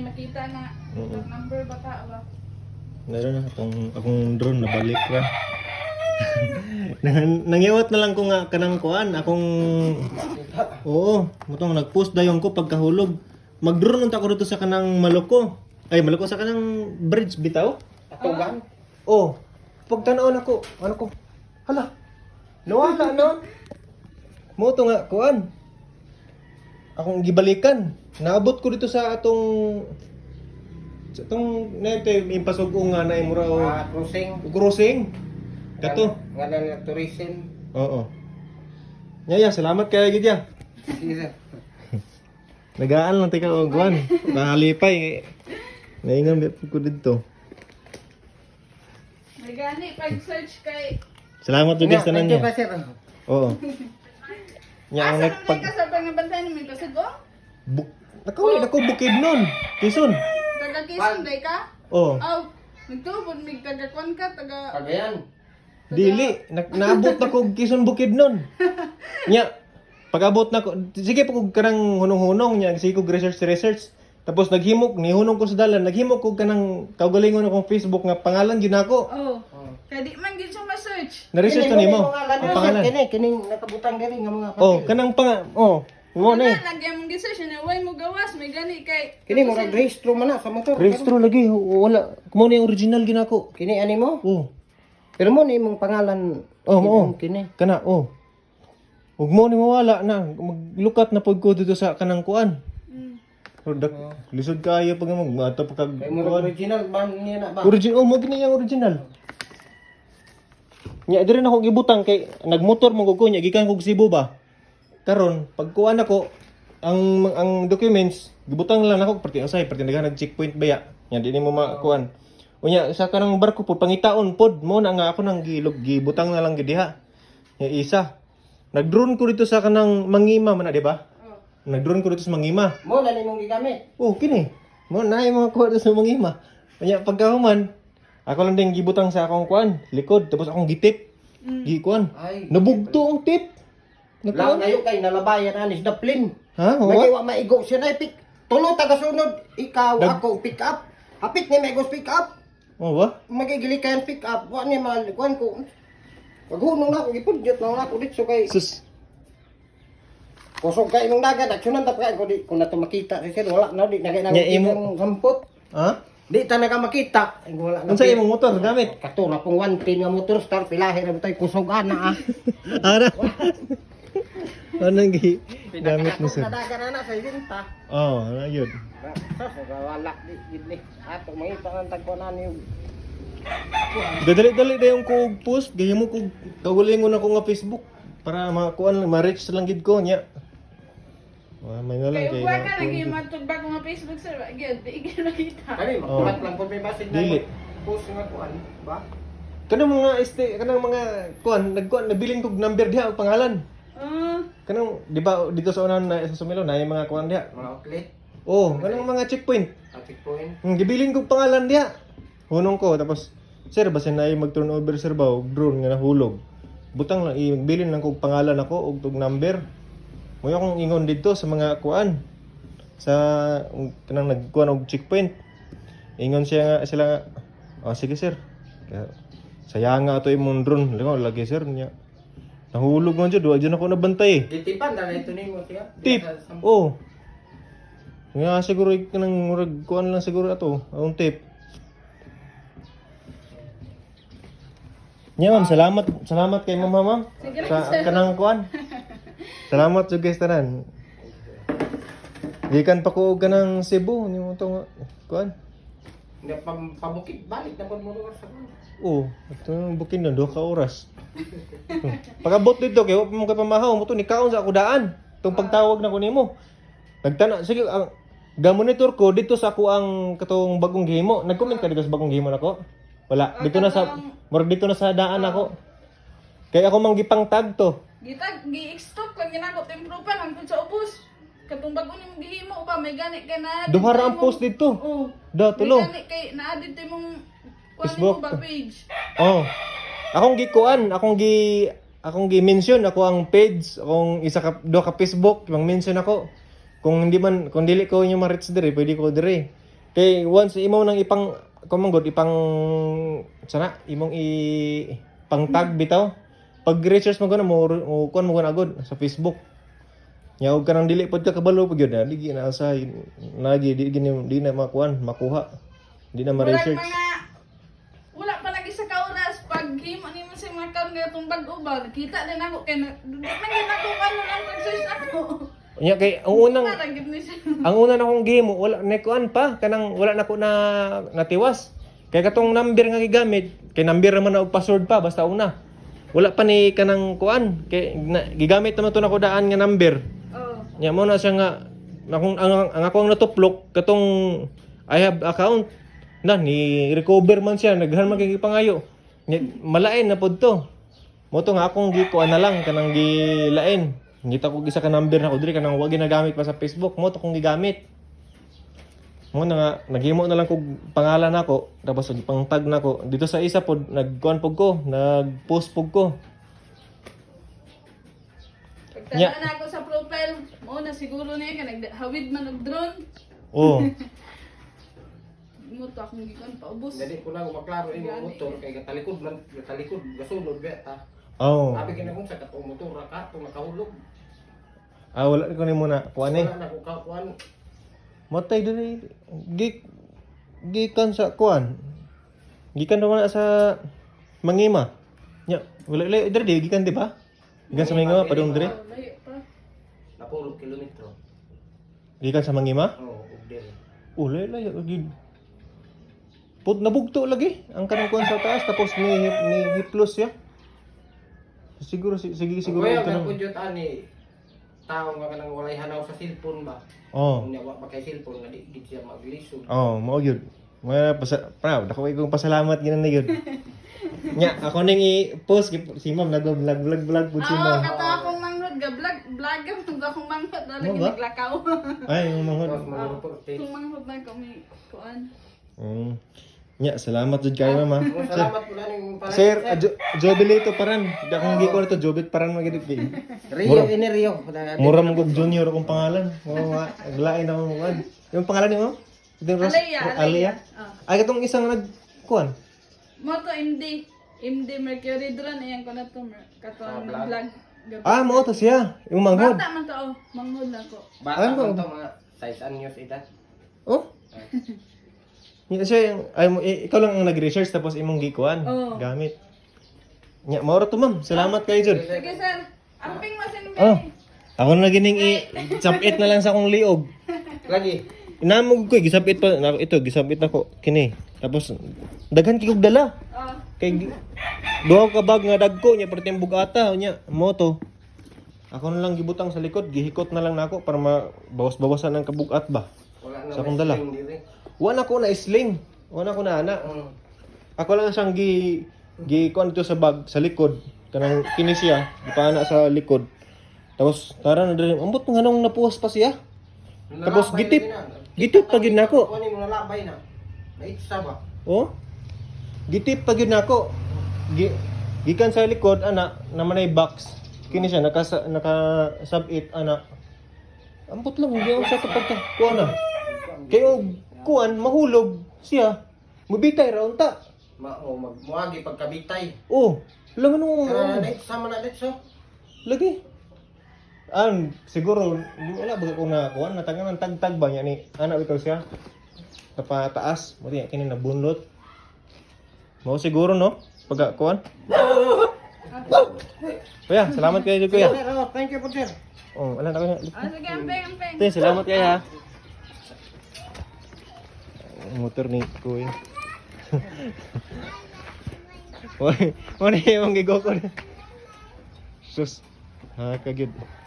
nakita na number bata ba? Meron na akong drone nabalik ra. Nangiwat na lang ko nga kanang kuan akong oo, mutong nag-post dayon ko pagkahulog. Mag-drone unta ko dito sa kanang Maloko. Ay, Maloko sa kanang bridge bitaw. Atugan? Oh, pagtanaw ako, ano ko? Hala. Nawala no. Mo to nga kuan. Akong gibalikan. Naabot ko dito sa atong nete impasugo nga na imura o Crossing. Kato. Nga na tourism. Oo. Yaya, salamat kay Gidya. Sige sir. Nagaan lang tika og kuan. Nahalipay. Naingon ko dito. May gani pag-search kay Salamat jud sa tanan Thank you niya. pa sir. Oo. Nya ang asa nagpag ka sa pangabantay ni may kasugo? Nakawin ako bukid nun. Quezon. Taga Quezon day ka? Oh. Aw, nagtubod mig taga kwan ka taga Cagayan. Dili, naabot na ko Quezon bukid nun. Nya, pag-abot na ko, sige pa kog kanang hunong-hunong nya, sige kog research. Tapos naghimok, nihunong ko sa dalan, naghimok ko kanang kaugalingon akong Facebook nga pangalan gyud nako. Oh. Kaya di man gid siya ma-search. Na-research to nimo. Ang pangalan. Kini nakabutang diri nga mga Oh, kanang mo na. Lagyan mong research na way mo gawas may gani kay Kini mo rehistro man na sa motor. Registro lagi, wala. Kumo ni original ginako. Kini ani mo? Oh. Pero mo ni imong pangalan. Oh, mo. Kini. Kana, oh. Ug mo ni mawala na, maglukat na pud ko dito sa kanang kuan. Product. Lisod kayo pag magmata pa kag Kay mo original man niya na ba? Original, mo gini yang original. Nya diri na ko gibutang kay nagmotor mo ko nya gikan kog Cebu ba. Karon pag kuan ako ang documents gibutang lang nako perti usay perti nag checkpoint baya. Nya di mo makuan. Unya sa kanang barko pud pangitaon pod mo na nga ako nang gibutang na lang gid diha. Nya isa. Nag-drone ko dito sa kanang Mangima man na, di ba? Nag-drone ko dito sa Mangima. Mo na nimong gigamit. Oh, kini. Mo na yung mga kuha sa Mangima. Kanya pagkahuman, ako lang din gibutang sa akong kuan, likod, tapos akong gitip. Gikuan. Ay. Nabugto ang tip. Lang ngayon kay nalabayan anis daplin. Ha? May Wa? wa maigo siya na pick. Tulo taga sunod, ikaw Dag- ako pick up. Hapit ni maigos pick up. Oh, wa? Magigili kayan pick up. Wa ni malikuan ko. Paghunong na ako gipudyot na ako dito kay Sus. kusog kay imong dagat aksyonan ta kay ko di kung nato makita si sir wala na di nagay na Nya imo- imong sampot. Ha? Di ta naga makita. Ay, wala na. Unsa imong motor gamit? Katura pong 110 nga motor star pilahi ra tay kusog ana ah. Ara. Anong gamit mo sir? Nadagan na sa ibinta. Oh, ano yun? Wala di gid ni. Ato mangita ang tagkuanan niyo. Dadali-dali na yung kog post, gaya mo kog kagulingon ako nga Facebook para makuan ma-reach lang gid ko nya. May nga lang kay kay. ugwa ka lagi matugba ko nga Facebook sir, gyud di gyud nakita. Kani makulat lang pud may basig Dili. post nga kuan ba? Kanang mga kanang mga kuan, nagkuan nabiling kog number diha og pangalan. Kanang di ba dito sa unahan na sa Sumilo na yung mga kuan diha. Mga outlet, Oh, kanang mga checkpoint. traffic point. Gibiling kog pangalan diha. Hunong ko tapos sir basin na mag-turnover sir ba og drone nga nahulog. Butang lang i-bilin lang kog pangalan ako og tug number. Mo akong ingon dito sa mga kuan sa kanang nagkuan og checkpoint. Ingon siya nga sila nga, "Oh, sige sir." Kaya sayang nga ato imong drone. Lagi sir niya. Nahulog man jud, wa jud ako nabantay. Ditipan na ito nimo siya. Tip. Oh. Nga siguro kanang murag kuan lang siguro ato, ang tip. Nya ma'am, salamat kay ma'am. Sige lang, Sa sir. kanang kuan. Salamat jud guys tanan. Gikan pa ko og kanang Cebu ni mo to kuan. Nga pabukid balik na pud mo lugar sa kuan. Oh, ito bukin na 2 ka oras. Pag-abot dito kay wa pa mo kay pamahaw mo to ni kaon sa ako daan. Tong pagtawag na ko nimo. Nagtana sige ang ga-monitor ko dito sa ako ang katong bagong gihimo. Nag-comment ka dito sa bagong gihimo nako? Wala. Dito na sa murag dito na sa daan ako. Kaya ako mang gipang tag to. Gitag gi-extract lang ginako temprupan ang sa ubos. Katong bag-o nimo gihimo pa may gani kay na. Duha ra ang post dito. Oh. Da tulo. May gani kay na-add dito imong Facebook. ba page. Oh. Akong gikuan, akong gi-mention ako ang page, akong isa ka do ka Facebook, mang mention ako. Kung dili ko inyo ma-reach dire, pwede ko dire. Kay once imo nang ipang kumanggod ipang sana imong pang tag bitaw. Pag research mo gana mo kon mo gana agad sa Facebook. Nya og kanang dili pod ka kabalo pud gyud na digi na sa lagi di na makuha. Di na ma-research. Wala pa lagi sa kauras pag himo nimo sa mga kaon nga itong bag-o ba nakita din ako kay nagin ako ano lang pag-search ako. Nya kay ang unang Parang gid ni siya. ang una na kong game wala na kuan pa kanang wala na ko na natiwas. Kay katong number nga gigamit, kay number naman na og password pa basta una. Wala pa ni kanang kuan kay gigamit naman to na ko daan nga number. Oh. Nya mo na siya nga akong ang ako ang natuplok katong I have account na ni recover man siya naghan man kay pangayo. Nya malain na pod to. Mo to nga akong gikuan na lang kanang gilain. Ngita ko isa ka number na ko diri kanang wa ginagamit pa sa Facebook mo to kong gigamit. Mo na nga naghimo na lang kog pangalan nako tapos pang tag nako dito sa isa pod nagkuan pog ko nagpost pog ko. Pagtala na ako sa profile, mo na siguro niya ka naghawid man og drone. Oh. Mo to akong gikuan paubos. Dali ko lang maklaro imong motor kay gatalikod gasulod beta. Oh. Sabi kini kung sa katong motor ka to nakahulog. Wala ko ni muna kuan eh. Wala na ko kuan. Matay diri gikan sa kuan. Gikan naman sa Mangima. Nya wala diri gikan di ba? Gikan sa Mangima padung diri. Oh, layo pa. Napulog kilometro. Gikan sa Mangima? Oo, ug diri. Layo gid. Pud nabugto lagi ang kanang kuan sa taas tapos ni hiplos ya. Siguro siguro Kuya, ito may nang. pudyot ani tao nga kanang walay hanaw sa cellphone ba? Oh. Unya wa pa kay cellphone nga di siya maglisod. Oh, mao gyud. Mga proud ako kong pasalamat ginan na gyud. Nya ako ning i-post si ma'am nag-vlog pud si Oo, ma'am. kato akong manghod ga vlog akong manghod na lagi Mo ba? naglakaw. Ay, yung mga Tapos mga reporte. Kung manghod na kami kuan. Nya, salamat jud kayo ma'am. Salamat pula ning para. Sir, Jobilito paran. Di akong giko to Jobit paran magid kay. Rio ini Rio. Mura mo kog junior akong pangalan. Oo, aglain ako mo. Yung pangalan nimo? Alea. Ay katong isang nagkuan. Mo to MD Mercury drone ayan ko na to kato vlog. Mao to siya. Yung manghod. Bata man to manghod na ko. Bata Ano? man to mga size anyos edad. Oh? Nya siya ikaw lang ang nag-research tapos imong gikuan Oo. gamit. Nya mao ra to ma'am. Salamat kayo jud. Sige sir. Amping mo sin Oh. Ako na gining i-sapit na lang sa akong liog. Lagi. Inamog ko gisapit pa ito gisapit nako kini. Tapos daghan kig dala. Oh. Kay duha ka bag nga dagko nya perting bugata nya moto. Ako na lang gibutang sa likod, gihikot na lang nako para mabawas-bawasan ang kabugat ba. Wala na. Sa akong dala. may sling diri. Wala ko na sling. Wala ko na ana. Ako lang siyang gi kuan dito sa bag sa likod. Kanang kini siya, gipana sa likod. Tapos tara na diri, ambot nga nang napuwas pa siya. Tapos gitip pa gid nako. Kunin mo na labay na. Naitsa ba? Oh? Gitip pa gid nako. Gikan sa likod ana naman ay box. Kini siya naka sub-it ana. Ambot lang hindi ako sa kapag kuan na. Kayo kuan mahulog siya. Mubitay ra unta. Muagi pagkabitay. Oh, lang ano Naitsa man na ditso. lagi. Siguro wala ba ko na kuan natangan ng tagtag ba niya ni ana bitaw siya. Taas, mo diya kini nabunlot. Mo siguro no pag kuan. Kuya, salamat kayo kuya. Sir, thank you po sir. Oh, wala na ko. Sige amping. Te, salamat kayo ha. Motor ni kuya. Wala yung gigo ko. Sus. Ha, kagid.